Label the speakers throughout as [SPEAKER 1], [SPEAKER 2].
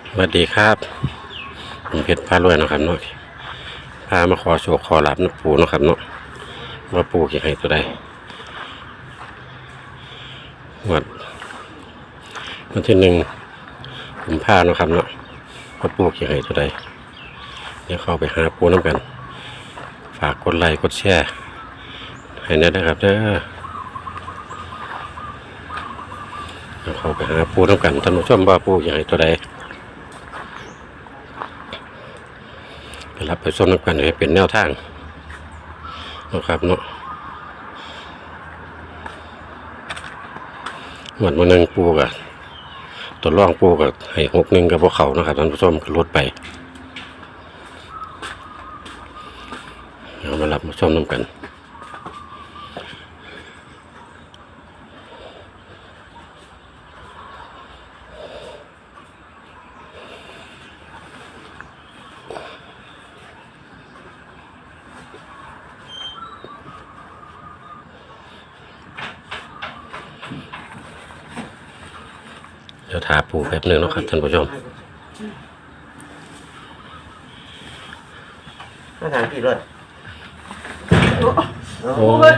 [SPEAKER 1] สวัสดีครับผมเพชรพารวยนะครับเนาะพามาขอโชคขอลาบน้ำปูเนาะครับเนาะว่าปูเกี่ยให้ตัวใดวันที่1 กุมภาพันธ์เนาะครับเนาะว่าปูเกี่ยให้ตัวใดเดี๋ยวเข้าไปหาปูน้ำกันฝากกดไลค์กดแชร์ให้แน่นะครับเด้อเดี๋ยวเข้าไปหาปูน้ำกันท่านผู้ชมว่าปูเกี่ยให้ตัวใดรับไปส้มน้ำกันให้เป็นแนวทางนะครับเนาะหมดมานึงปูกับตัวร่องปูกับให้61กับพวกเขานะครับท่านผู้ชมก็ลดไปเอามารับมาส้มน้ำกันเดี๋ยวถาปูแป๊บนึงนะครับท่านผู้ชม
[SPEAKER 2] มาถามกี่รถ
[SPEAKER 3] โอ้ย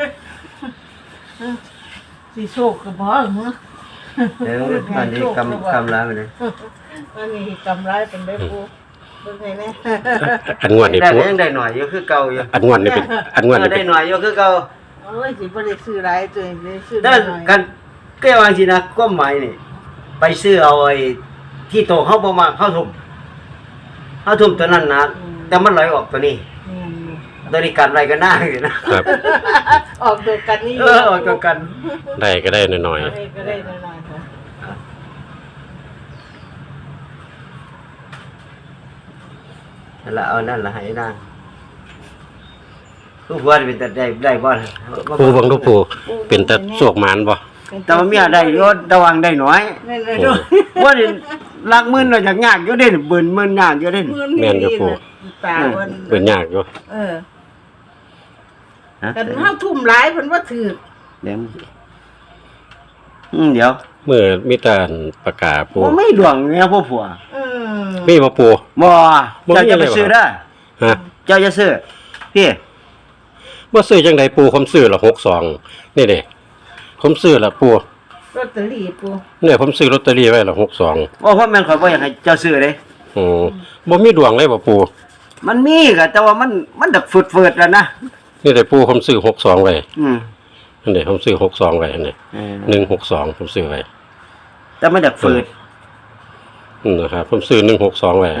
[SPEAKER 3] สีโชคกระบอกมั้ง
[SPEAKER 2] เดี๋ยวตอนนี้กำร้ายไปเลย
[SPEAKER 3] อันนี้กำไรเป็นได้ปูเป็นไงเนี่ย
[SPEAKER 1] อันงวดนี่ปู
[SPEAKER 2] ยังได้หน่อยอยู่คือเก่าอยู่
[SPEAKER 1] อันงวดนี่เป็นอันงวดนี่
[SPEAKER 2] ได้หน่อยอยู่คือเก่า
[SPEAKER 3] โอ้ยสิบ่ได้ซื้อหลายตัวได้ซื้อ
[SPEAKER 2] ได้กันแก้วอันสินะก้มหมายนี่ไปซื้อเอาไอ้ที่โตเขาบ่มาเข้าทุ่มตัวนั้นนะแต่มันไหลออกตัวนี้ตัวนี้กันอะไรกันหน้าอยู่นะครับ
[SPEAKER 3] ออกตัวกันนี่
[SPEAKER 2] ออกตัวกัน
[SPEAKER 1] ได้ก็ได้หน่อย
[SPEAKER 3] ๆก็ได้หน่อยๆค่ะ
[SPEAKER 2] นั่นละเอานั่นละให้นางทุกวันเป็นแต่ได้บ่
[SPEAKER 1] ปูบังทุกปูเป็นแต่โชคมานบ่
[SPEAKER 2] แต่ว่าเมียได้ยศระวังได้น้อยว่านี่ลักมื่นเราจากยากอยู่เด่นเบิ่นมื่นยากอยู่เด่น
[SPEAKER 1] แม่นอยู่ปูเบิ่นยากอยู่
[SPEAKER 3] แต่เฮาทุ่มหลายเพิ่นว่าถือ
[SPEAKER 2] เดี๋ยว
[SPEAKER 1] มื้อมีแต่ประกาศปู
[SPEAKER 2] ไม่ดวงเนี่ยพ่อผัว
[SPEAKER 1] มีบ่ปู
[SPEAKER 2] บ่เจ้าจะไปซื้อได้
[SPEAKER 1] ฮะ
[SPEAKER 2] เจ้าจะซื้อพี่
[SPEAKER 1] บ่ซื้อจังได๋ปูผมซื้อละ62นี่เด้ผมซื้อละปู
[SPEAKER 3] ลอตเตอรี่ปู
[SPEAKER 1] เนี่ยผมซื้อลอตเตอรี่ไว้ละ62
[SPEAKER 2] เพราะแม่นข่อยบ่อยากให้เจ้าซื้อเด้
[SPEAKER 1] บ่มีดวงเลยบ่ปู
[SPEAKER 2] มันมีก็แต่ว่ามันดักฝืดๆแล้วนะ
[SPEAKER 1] นี่แต่ปูผมซื้อ62ไว้อันนี้ผมซื้อ62ไว้อันนี้162ผมซื้อไว้
[SPEAKER 2] แต่มันดักฝืด
[SPEAKER 1] นะครับผมซื้อ162ไว้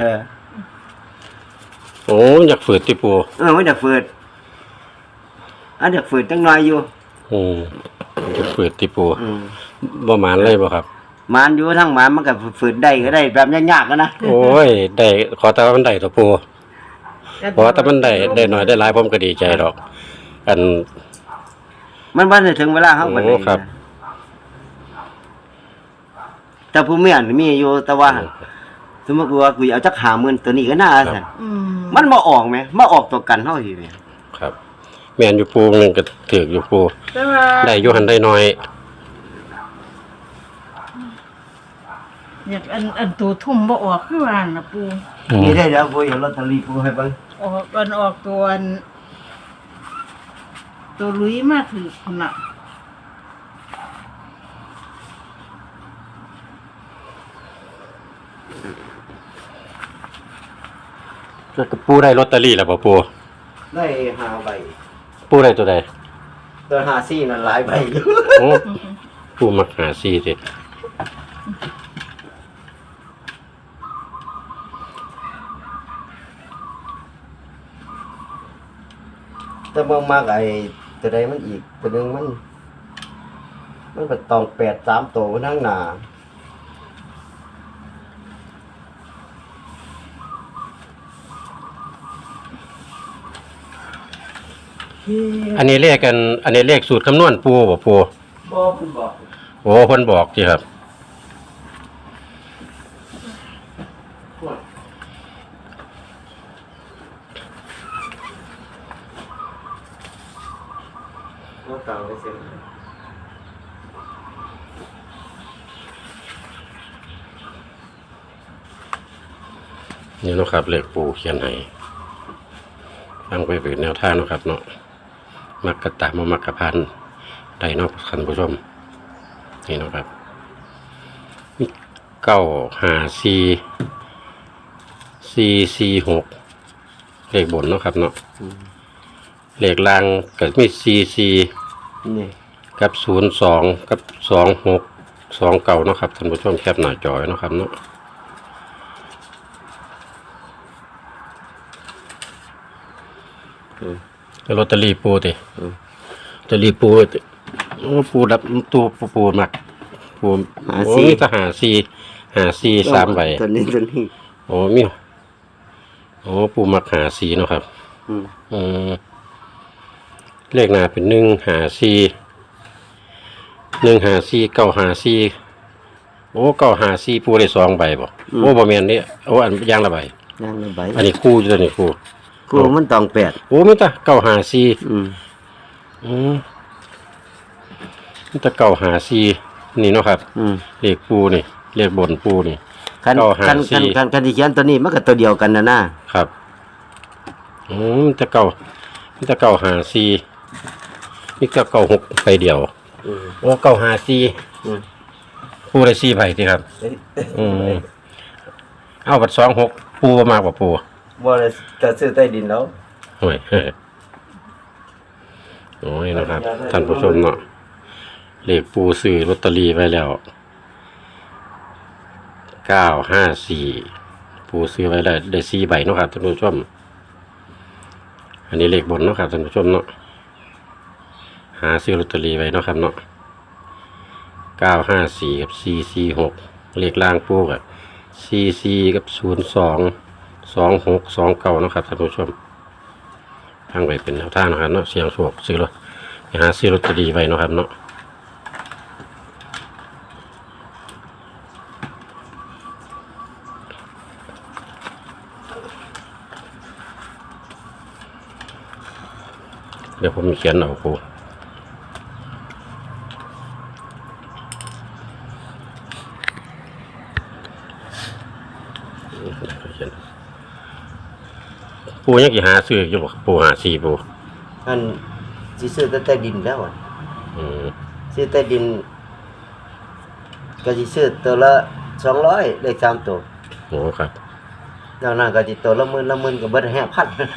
[SPEAKER 1] โอ้อยากฝืดติปู
[SPEAKER 2] มันดักฝืดอันดักฝืดจังน้อยอยู่
[SPEAKER 1] อยากฝืดติปูบ่หมานเลยบ่ครับ
[SPEAKER 2] หมานอยู่ทั้งหมานมันก็ฝืดได้ก็ได้แบบยากๆนะ
[SPEAKER 1] โอ้ยได้ขอแต่ว่ามันได้ตัวปูเพราะว่าถ้ามันได้น้อยได้หลายผมก็ดีใจดอกอัน
[SPEAKER 2] มันบ่ได้ถึงเวลาเฮาบัดนี้ครับแต่ผู้เมียมีอยู่แต่ว่าสมมุติว่ากูเอาจัก50,000ตัวนี้ก็น่าซั่นมันบ่ออกแหมมาออกตัวกันเฮาสิแหม
[SPEAKER 1] ครับแม่นอยู่ปูนึงก็ถูกอยู่ปูได้อยู่หันได้น้อย
[SPEAKER 3] อยากอันตัวทุ่มบ่ออกคือว่าน่ะปู
[SPEAKER 2] นี่ได้แล้วปูเอาลอตเตอรี่ปูให้เบิ่ง
[SPEAKER 3] ออกตัวลุยมาถือพุ่นน่ะ
[SPEAKER 1] ปูได้ลอตเตอรี่แล้วบ่ปู
[SPEAKER 2] ได้5ใบ
[SPEAKER 1] ปูได้ตัวใด
[SPEAKER 2] ตัว54นั่นหลายใบอยู่
[SPEAKER 1] ปูมัก54ติ
[SPEAKER 2] แต่บ่มักไอ้ตัวใดมันอีกตัวนึงมันเป็นตอง8 3ตัวข้างหน้า
[SPEAKER 1] อันนี้เลขกันอันนี้เลขสูตรคำนวณปูบ่ปู
[SPEAKER 2] บ่เพิ่นบอก
[SPEAKER 1] โอ้เพิ่นบอกสิครับ
[SPEAKER 2] บ่ตามไปเซ็น
[SPEAKER 1] อนี่เนาะครับเลขปูเขียนให้ฟังไปเป็นแนวทางเนาะครับเนาะมักกะตามมามักกะพันได้เนาะท่านผู้ชมนี่เนาะครับมี954 446เลขบนเนาะครับเนาะเลขล่างก็มี44
[SPEAKER 2] นี่
[SPEAKER 1] กับ02กับ2629เนาะครับท่านผู้ชมแคปหน้าจอเนาะครับเนาะลอตเตอรี่ปูติลอตเตอรี่ปูติโอ้ปูดับปูมักปูโอ้มีทหาร54 3ใบ
[SPEAKER 2] ตัวนี้
[SPEAKER 1] โอ้มีโอ้ปูมัก54เนาะครับเลขหน้าเป็น154 954โอ้954ปูได้2ใบบ่โอ้บ่แม่นนี่โอ้อันอย่างละใบ
[SPEAKER 2] ย่างละใบ
[SPEAKER 1] อันนี้คู่อยู่ตัวนี้คู่
[SPEAKER 2] กูมันต้อง8
[SPEAKER 1] โอ้มีแต่954มีแต่954นี่เนาะครับเลขปูนี่เลขบนปูนี่
[SPEAKER 2] คันที่เขียนตัวนี้มันก็ตัวเดียวกันนะครับ
[SPEAKER 1] มีแต่954มีแต่96ไปเดียวโอ้954ปูได้4ใบติครับเอาบัด26ปูบ่มากกว่าปู
[SPEAKER 2] บ่ได้จะซื้อใต้ดินแล้ว
[SPEAKER 1] โอ้ยโอ้ยนะครับท่านผู้ชมเนาะเลขปูซื้อลอตเตอรี่ไว้แล้ว954ปูซื้อไว้ได้4ใบเนาะครับท่านผู้ชมอันนี้เลขบนเนาะครับท่านผู้ชมเนาะหาซื้อลอตเตอรี่ไว้เนาะครับเนาะ954กับ446เลขล่างปูกับ44กับ022629เนาะครับท่านผู้ชมทางไปเป็นแนวทางนะครับเนาะเสียงโชคซื้อรถไปหาซื้อลอตเตอรี่ไว้เนาะครับเนาะเดี๋ยวผมเขียนเอาครูปูยังกี่หาซื้ออยู่บ่ปูหาซีปู
[SPEAKER 2] อันสิซื้อใต้ดินแล้วซื้อใต้ดินก็สิซื้อตัวละ200เลข3ตัว
[SPEAKER 1] โอ้ครับ
[SPEAKER 2] นอกนั้นก็สิตัวละ10,000ก็เบิด5,000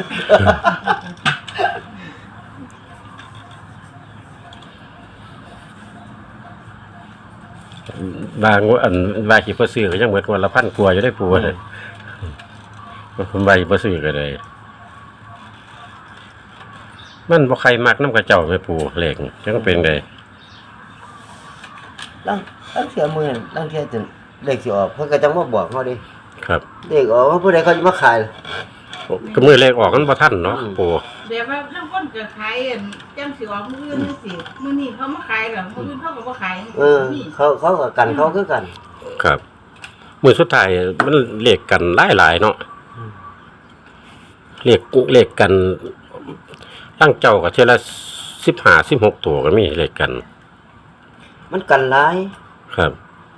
[SPEAKER 1] บางอันบางขี่เพื่อซื้อก็ยังเหมือนวันละ1,000 กว่าอยู่ได้ปูเลยผมใบเพื่อซื้อก็เลยมันบ่ใครมักน้ำกระเจ้าไม่ปูเหล็กจังเป็นไง
[SPEAKER 2] ตั้งเสียมือตั้งเสียจนเลขสิออกเพิ่นก็จังมาบอกเฮาดิ
[SPEAKER 1] ครับ
[SPEAKER 2] เลขออกว่าผู้ใดเขาจะมาขาย
[SPEAKER 1] ก็มือเลขออกกันบ่ทันเนาะปู
[SPEAKER 3] เดี๋ยวว่าทั้งคนก็ขายจังสิออกมื้ออื่นนี่สิมื้อนี้เขามาขายแล้วมื้ออื่นเขาก็บ่ขาย
[SPEAKER 2] เขาก็กันเขาคือกัน
[SPEAKER 1] ครับมือสุดท้ายมันเลขกันหลายๆเนาะเลขกันตั้งเจ้ากับเท่าละ15-16ตัวก็มีเลขกัน
[SPEAKER 2] มันกันหลาย
[SPEAKER 1] ครับ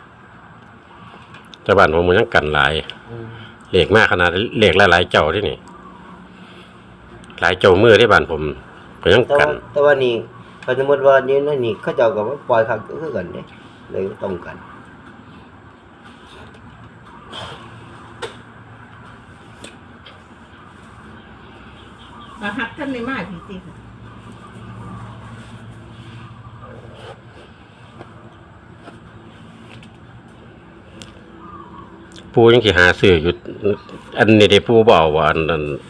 [SPEAKER 1] แต่บ้านผมมันยังกันหลายเลขมากขนาดเลขหลายๆเจ้าที่นี่หลายเจ้ามือที่บ้านผมก็ยังกัน
[SPEAKER 2] แต่ว่านี่เขาสมมุติว่านี่เขาเจ้าก็มาปล่อยคักคือกันเด้เลยต้องกัน
[SPEAKER 3] มาหักท่านได้มาพี่ติ
[SPEAKER 1] ปูยังสิหาซื้ออยู่อันนี้ได้ปูบ่เอาว่าอัน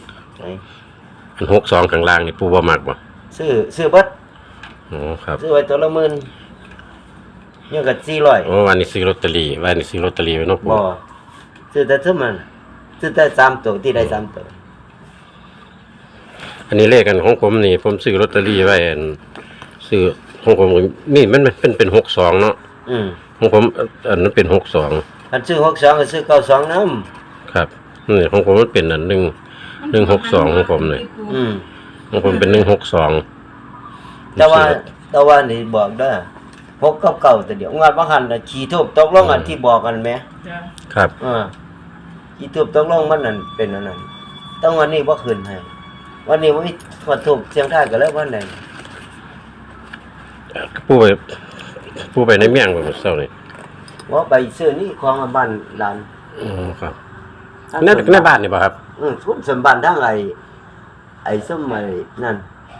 [SPEAKER 1] 62ข้างล่างนี่ปูบ่มักบ่
[SPEAKER 2] ซื้อเบิด
[SPEAKER 1] อ๋อครับ
[SPEAKER 2] ซื้อไว้ตัวละ10,000ยังก็400
[SPEAKER 1] โอ้วันนี้ซื้อลอตเตอรี่ไว้เนาะปู
[SPEAKER 2] บ่ซื้อแต่ซุมันซื้อแต่3ตัวที่ได้3ตัว
[SPEAKER 1] อันนี้เลขกันของผมนี่ผมซื้อลอตเตอรี่ไว้อันซื้อของผมนี่มันเป็น62เนาะของผมอันนั้นเป็น62
[SPEAKER 2] อันซื้อ62ก็ซื้อ92นำ
[SPEAKER 1] ครับนี่ของผมมันเป็นอัน162ของผมนี่ของผมเป็น162
[SPEAKER 2] แต่ว่านี่บอกเด้อ6กับ9ตัวเดียวงานบ่หันน่ะขี่ทูบตกลงอันที่บอกกันแหม
[SPEAKER 3] จ้ะ
[SPEAKER 1] ครับ
[SPEAKER 2] อีทูบต้องลงมันนั่นเป็นอันนั้นต้องวันนี้บ่คืนให้วันนี้บ่มีขอทูบเสียงทายก็แล้ววันไหน
[SPEAKER 1] ปูไปในเมียงบ่มื้อเช้านี่
[SPEAKER 2] ว่าไปซื้อนี่ของบ้านหลาน
[SPEAKER 1] อ๋อครับในบ้านนี่บ่ครับ
[SPEAKER 2] ทุนสมบัติทั้งไอ้ส้มไอ้นั่น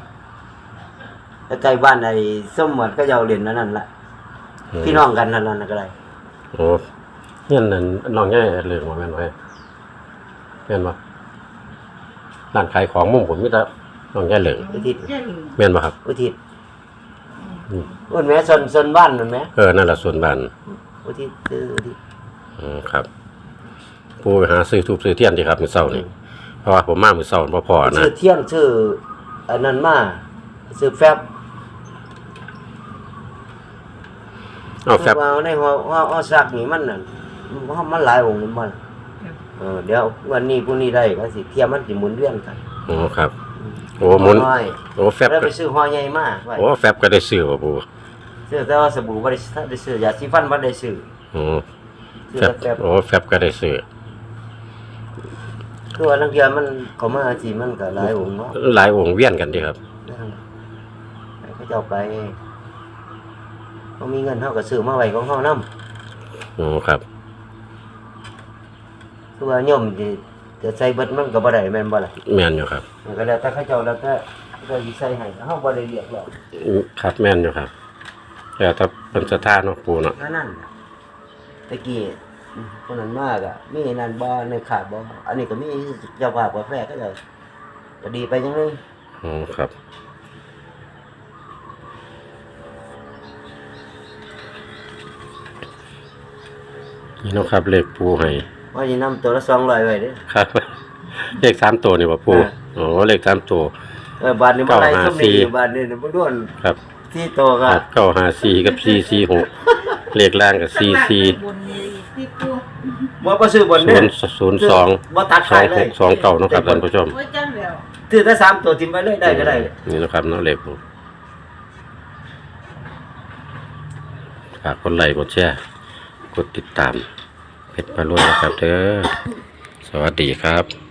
[SPEAKER 2] ใกล้บ้านไอ้ส้มหมดก็จะเอาเหรียญนั่นล่ะพี่น้องกันนั่นก็ได้
[SPEAKER 1] โอ้เฮียนนั่นน้องใหญ่เรื่องว่าแม่นบ่แม่นบ่ร้านขายของมุมผมมีแต่น้องใหญ่เหลือง
[SPEAKER 2] อุทิศ
[SPEAKER 3] แค่หนึ่ง
[SPEAKER 1] แม่นบ่ครับ
[SPEAKER 2] อุทิศอุ่นแม่ส่วนบ้านนั่นแม่
[SPEAKER 1] นั่นล่ะส่วนบ้าน
[SPEAKER 2] อุทิศคืออุทิศ
[SPEAKER 1] ครับปูไปหาซื้อทูบซื้อเทียนที่ครับมื้อเช้านี่เพราะว่าผมมามื้อเช้าบ่พอนะ
[SPEAKER 2] ชื่อเที่ยงชื่ออันนั้นมาชื่อแฟบ
[SPEAKER 1] เอาแฟบ
[SPEAKER 2] ว่าในว่าซักนี่มันนั่นมันหลายองค์มันเดี๋ยววันนี้พรุ่งนี้ได้ก็สิเทียมมันสิหมุนเวียนกัน
[SPEAKER 1] อ๋อครับ โอ้หมุน
[SPEAKER 2] น้อย
[SPEAKER 1] โอ้แฟบ
[SPEAKER 2] แล้ว
[SPEAKER 1] ก็
[SPEAKER 2] ไปซื้อห่อใหญ่มาไว้
[SPEAKER 1] โอ้แฟบก็ได้ซื้อบ่ปู
[SPEAKER 2] ซื้อแต่ว่าสบู่บ่ได้ซื้อยาสีฟันบ่ได้ซื้อ
[SPEAKER 1] อ๋อ
[SPEAKER 2] ซื้อ
[SPEAKER 1] แฟบ
[SPEAKER 2] แต่แฟบ
[SPEAKER 1] โอ้แฟบก็ได้ซื้อ
[SPEAKER 2] คือว่านักเรียนมันเขามาสิมันก็หลายองค์เนาะ
[SPEAKER 1] หลายองค์เวียนกันดีครับ
[SPEAKER 2] ให้เขาเจ้าไปเขามีเงินเฮาก็ซื้อมาไว้ของเฮานำ
[SPEAKER 1] อ๋อครับ
[SPEAKER 2] คือว่าโยมสิจะใส่เบิดมันก็บ่ได้แม่นบ่ล่ะ
[SPEAKER 1] แม่นอยู่ครับ
[SPEAKER 2] มันก็แล้วแต่เขาเจ้าแล้วแต่ก็สิใส่ให้เฮาบ่ได้เรียกแล้ว
[SPEAKER 1] ครับแม่นอยู่ครับแล้วถ้าเป็นสถานเนาะปูเนาะ
[SPEAKER 2] นั่นตะกี้คนนั้นมากอ่ะมีนั่นบ่ในขาดบ่อันนี้ก็มีเจ้าภาพกาแฟก็เลยก็ดีไปจังเลย
[SPEAKER 1] อ๋อครับนี่เนาะครับเลขปูให้
[SPEAKER 2] ว่าสินำตัวละ200ไว้เด้อ
[SPEAKER 1] ครับ เลข3ตัวนี่บ่ปู
[SPEAKER 2] เออ
[SPEAKER 1] อ๋อเลข3ตัว
[SPEAKER 2] บาทนี้บ่ได้
[SPEAKER 1] 954
[SPEAKER 2] สมีบาทนี้บ่ด้วน
[SPEAKER 1] ครับ
[SPEAKER 2] ที่โตก็
[SPEAKER 1] 954กับ446เลขล่างกับ44
[SPEAKER 3] บนนี้ที่กู
[SPEAKER 2] บ่ซื้อบนเด้อ
[SPEAKER 1] 002
[SPEAKER 2] บ่ตัดขายเลย
[SPEAKER 1] 2629เนาะครับท่านผู้ชม
[SPEAKER 3] โอ้ยจังแล้ว
[SPEAKER 2] ซื้อแต่3ตัวทิ่มไว้เลยได้ก็ได้
[SPEAKER 1] นี่นะครับเนาะเลขปูฝากกดไลค์กดแชร์กดติดตามเพชรพารวยนะครับเด้อสวัสดีครับ